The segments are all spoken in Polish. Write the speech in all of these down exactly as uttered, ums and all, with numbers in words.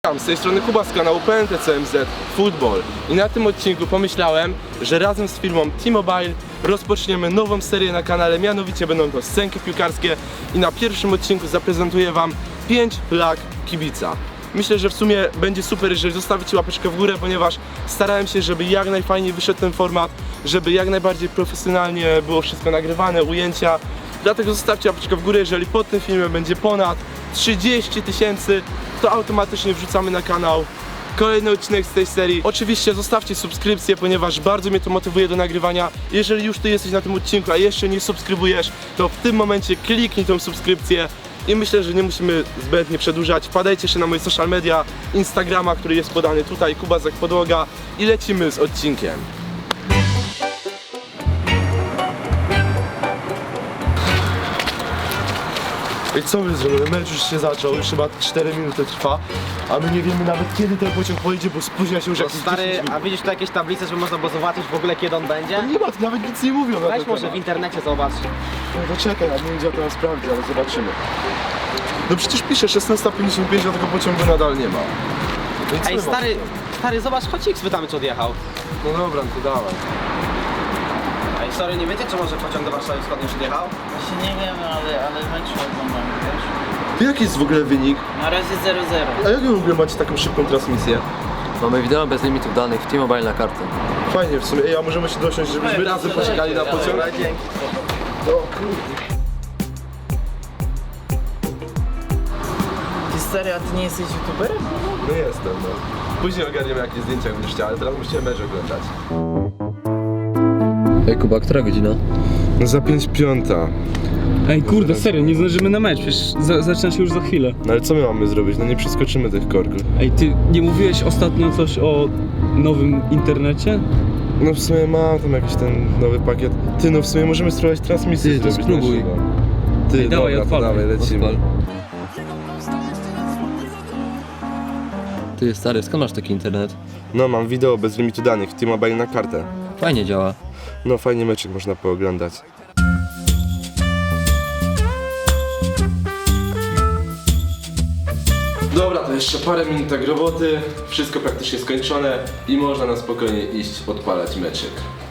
Z tej strony Kuba z kanału P N T C M Z Football i na tym odcinku pomyślałem, że razem z firmą T-Mobile rozpoczniemy nową serię na kanale, mianowicie będą to scenki piłkarskie i na pierwszym odcinku zaprezentuję wam pięć flag kibica. Myślę, że w sumie będzie super, jeżeli zostawicie łapeczkę w górę, ponieważ starałem się, żeby jak najfajniej wyszedł ten format, żeby jak najbardziej profesjonalnie było wszystko nagrywane, ujęcia. Dlatego zostawcie łapeczkę w górę, jeżeli pod tym filmem będzie ponad trzydzieści tysięcy, to automatycznie wrzucamy na kanał kolejny odcinek z tej serii. Oczywiście zostawcie subskrypcję, ponieważ bardzo mnie to motywuje do nagrywania. Jeżeli już ty jesteś na tym odcinku, a jeszcze nie subskrybujesz, to w tym momencie kliknij tą subskrypcję. I myślę, że nie musimy zbędnie przedłużać. Wpadajcie jeszcze na moje social media, Instagrama, który jest podany tutaj, Kuba Zak Podłoga, i lecimy z odcinkiem. I co my zrobimy? Mecz już się zaczął, już chyba cztery minuty trwa, a my nie wiemy nawet kiedy ten pociąg pojedzie, bo spóźnia się już No jakieś stary, dziesięć minut. a widzisz tu jakieś tablice, żeby można było zobaczyć w ogóle kiedy on będzie? Nie ma, tu nawet nic nie mówią na Weź ten może w temat. internecie zobacz. No to czekaj, ja nie wiem gdzie ja to sprawdzić, ale zobaczymy. No przecież pisze szesnasta pięćdziesiąt pięć, a tego pociągu nadal nie ma. No i co Ej my stary, mamy? stary zobacz, chodź ich spytamy czy odjechał. No dobra, to dawaj. Ej sorry, nie wiecie czy może pociąg do Warszawy Wschodniej już odjechał? Właśnie nie wiem, ale, ale mecz oglądam, wiesz? To jaki jest w ogóle wynik? Na razie zero zero. A jak wy w ogóle macie taką szybką transmisję? Mamy wideo bez limitów danych w T-Mobile na kartę. Fajnie w sumie. Ej, a możemy się dosiąść, żebyśmy razem poczekali na pociąg? Dzięki. No kurde. Ty stary, a ty nie jesteś youtuberem? No jestem, no. Później ogarniemy jakie zdjęcia będziesz chciał, ale teraz musicie mecz oglądać. Ej Kuba, która godzina? No za pięć piąta. Ej kurde, serio, nie zdążymy na mecz, przecież za, zaczyna się już za chwilę. No ale co my mamy zrobić? No nie przeskoczymy tych korków. Ej, ty nie mówiłeś ostatnio coś o nowym internecie? No w sumie mam tam jakiś ten nowy pakiet. Ty, no w sumie możemy spróbować transmisję Ty, to zrobić spróbuj. na żywo. Ty, Ej, dawaj, dobra, to odpalaj. dawaj, lecimy. Odpal. Ty stary, skąd masz taki internet? No mam wideo bez limitu danych w T-Mobile na kartę. Fajnie działa. No fajnie meczek można pooglądać. Dobra, to jeszcze parę minutek roboty, wszystko praktycznie skończone i można na spokojnie iść odpalać meczyk.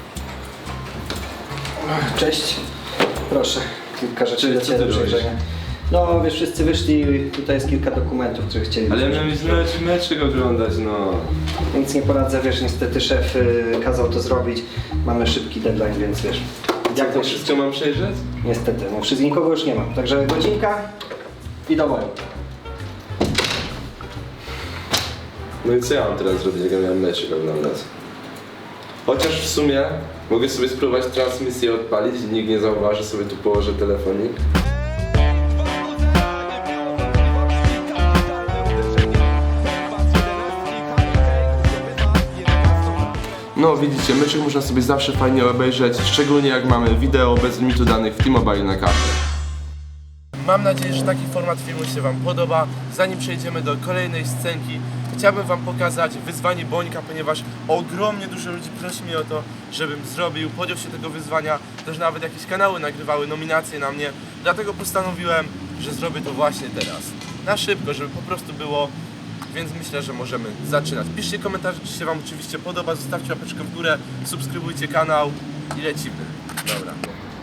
Cześć, proszę, kilka rzeczy Cześć, dla co Ciebie ty do robisz? przejrzenia. No wiesz, wszyscy wyszli, tutaj jest kilka dokumentów, które chcieli. Ale ja miałem iść mecz, meczyk oglądać, no. Nic nie poradzę, wiesz, niestety szef y, kazał to zrobić. Mamy szybki deadline, więc wiesz. Jak to wszystko mam przejrzeć? Niestety, no wszystko nikogo już nie ma. Także godzinka i do boju. No i co ja mam teraz zrobić, jak ja miałem meczyk oglądać? Chociaż w sumie mogę sobie spróbować transmisję odpalić i nikt nie zauważy, sobie tu położę telefonik. No widzicie, meczek można sobie zawsze fajnie obejrzeć, szczególnie jak mamy wideo bez limitu danych w T-Mobile na kartę. Mam nadzieję, że taki format filmu się wam podoba. Zanim przejdziemy do kolejnej scenki, chciałbym wam pokazać wyzwanie Bońka, ponieważ ogromnie dużo ludzi prosi mnie o to, żebym zrobił, podjął się tego wyzwania, też nawet jakieś kanały nagrywały nominacje na mnie, dlatego postanowiłem, że zrobię to właśnie teraz. Na szybko, żeby po prostu było, więc myślę, że możemy zaczynać. Piszcie komentarze, czy się wam oczywiście podoba, zostawcie łapeczkę w górę, subskrybujcie kanał i lecimy. Dobra.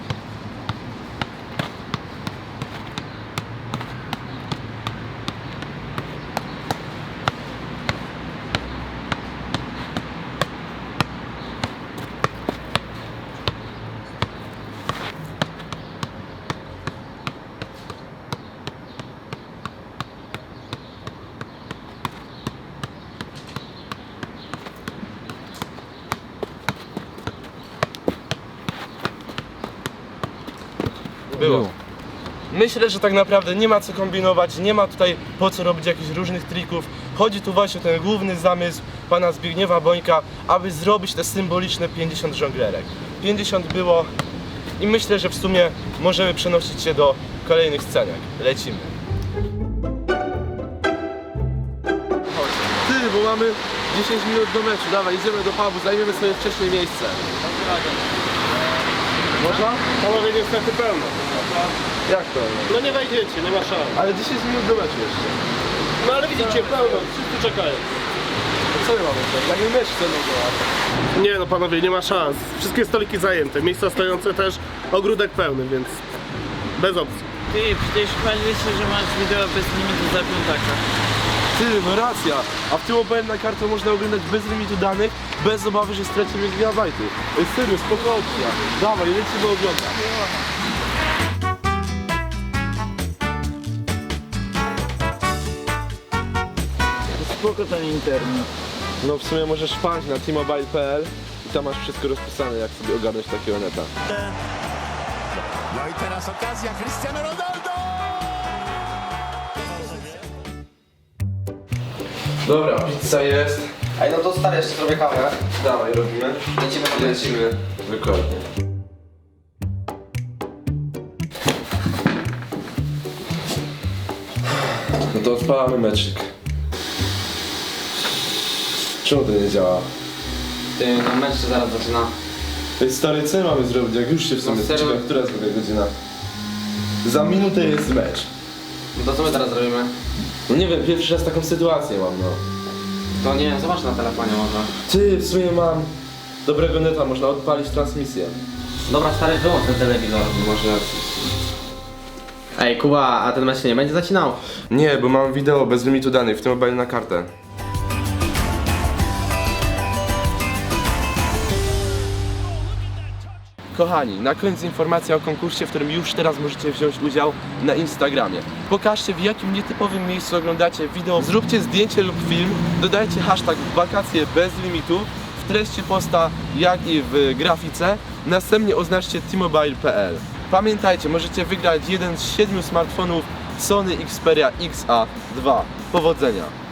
Było. Myślę, że tak naprawdę nie ma co kombinować, nie ma tutaj po co robić jakichś różnych trików. Chodzi tu właśnie o ten główny zamysł pana Zbigniewa Bońka, aby zrobić te symboliczne pięćdziesiąt żonglerek. pięćdziesiąt było i myślę, że w sumie możemy przenosić się do kolejnych scenek. Lecimy. Ty, bo mamy dziesięć minut do meczu, dawaj, idziemy do pubu, zajmiemy sobie wcześniej miejsce. Można? Panowie niestety pełno. Jak to? No nie wejdziecie, nie ma szans. Ale dziesięć minut do meczu jeszcze. No ale widzicie, pełno, wszyscy czekają. Co my mamy zrobić? Jak my mecz chcemy grać? Nie no panowie, nie ma szans. Wszystkie stoliki zajęte, miejsca stojące też, ogródek pełny, więc bez opcji. Ty, przecież chwaliłeś się, że masz wideo bez limitu za piątaka. Ty, no racja. A w tym mobile na kartę można oglądać bez limitu danych, bez obawy, że stracimy gigabajty. Ej, serio, spoko opcja. Dawaj, lecimy oglądać. Spoko ten internet. No w sumie możesz wpaść na t mobile kropka p l i tam masz wszystko rozpisane, jak sobie ogarnąć takiego neta. No i teraz okazja, Cristiano Ronaldo! Dobra, pizza jest. Ej, no to stary, jeszcze zrobię kawę. Dawaj, robimy. Lecimy po Lecimy. Dokładnie. No to odpalamy meczyk. Czemu to nie działa? Ty, no mecz się zaraz zaczyna. Ej stary, co mamy zrobić, jak już się w sumie No serio? zaczyna, która jest w ogóle godzina? Za minutę jest mecz. No to co my teraz zrobimy? No nie wiem, pierwszy raz taką sytuację mam, no. To nie wiem, zobacz na telefonie może. Ty, w sumie mam dobrego neta, można odpalić transmisję. Dobra, stary, wyłącz ten telewizor, może... Ej, Kuba, a ten mecz się nie będzie zacinał? Nie, bo mam wideo bez limitu danych, w tym mobile na kartę. Kochani, na koniec informacja o konkursie, w którym już teraz możecie wziąć udział na Instagramie. Pokażcie, w jakim nietypowym miejscu oglądacie wideo, zróbcie zdjęcie lub film, dodajcie hashtag wakacje bez limitu w treści posta, jak i w grafice, następnie oznaczcie t mobile kropka p l. Pamiętajcie, możecie wygrać jeden z siedmiu smartfonów Sony Xperia X A dwa. Powodzenia!